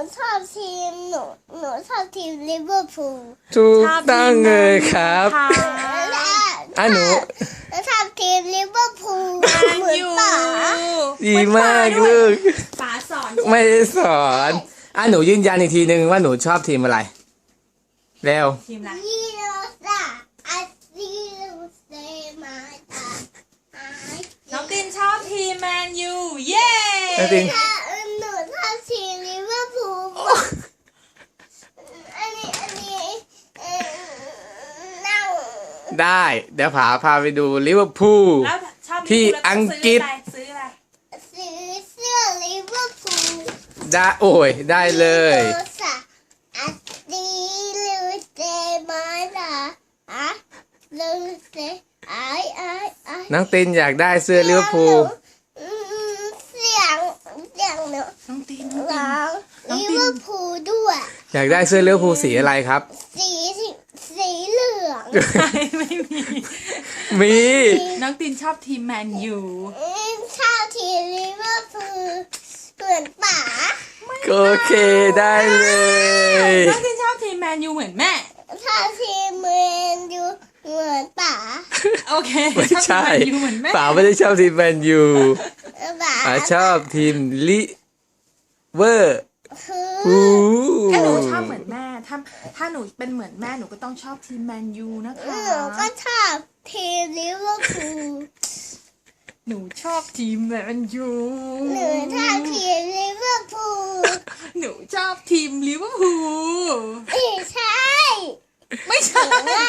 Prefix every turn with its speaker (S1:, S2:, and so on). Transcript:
S1: ชอบทีมหนูชอบทีมลิเวอร์พูล
S2: ถูกต้องเลยครับ หนู
S1: ชอบทีมลิเวอร์พูลเหมือนป๋า
S2: ดีมากลูก
S3: ป๋าสอน
S2: ไม่ได้สอนหนูยืนยันอีกทีนึงว่าหนูชอบทีมอะไรเร็ว
S3: ทีมอะไร
S1: ยีโรซาอาซิลูเซมาตา
S3: น้องตินชอบทีมแมนยูเย้
S2: น้องติน
S1: หนูชอบทีมลิเวอร์พูลอันนี้นั่ง
S2: ได้เดี๋ยวพาไปดูลิเวอร์พูล
S3: แล้วชอบ
S2: ที่
S3: ลิเวร์พูลแล้ว
S2: อังกฤษ
S3: ซื้ออะไร
S1: ซื้อเสื้อลิเวอร์พูล
S2: ได้โอ้ยได้เลย
S1: ยีโรซาอาซิลูเซมาตาลูเซไอ
S2: น้องตินอยากได้เสื้อลิเวอร์พูล
S1: เสียงหนู
S3: น้องติน
S1: ร้องลิเวอร์พูลด้วย
S2: อยากได้เสื้อลิเวอร์พูลสีอะไรครับ
S1: สีเหลือง
S3: ไม่มี
S2: มี
S3: น้องตินชอบทีมแมนยู
S1: ชอบทีมลิเวอร์พูลเหมือนป๋า
S2: โอเคได้เลย
S3: น้องตินชอบทีมแมนยูเหมือนแม่
S1: ชอบทีมเมนยูเหมือนป๋า
S3: โอเค
S2: ไม่
S3: ชอบทีม
S2: ใช่
S3: แมนยูเหมือนแม่
S2: ป๋าไม่ได้ชอบทีมแมนยู
S1: ป๋า
S2: ป๋าชอบทีมลิเวอร์
S1: คือ
S2: พูล
S3: ถ้าหนูชอบเหมือนแม่ถ้าหนูเป็นเหมือนแม่หนูก็ต้องชอบทีมแมนยูนะคะ
S1: หนูก็ชอบทีมลิเวอร์พูล
S3: หนูชอบทีมแมนยู
S1: หนูชอบทีมลิเวอร์พูล
S3: หนูชอบทีมลิเวอร์พูล
S1: ไม่ใช่
S3: ไม่ใช่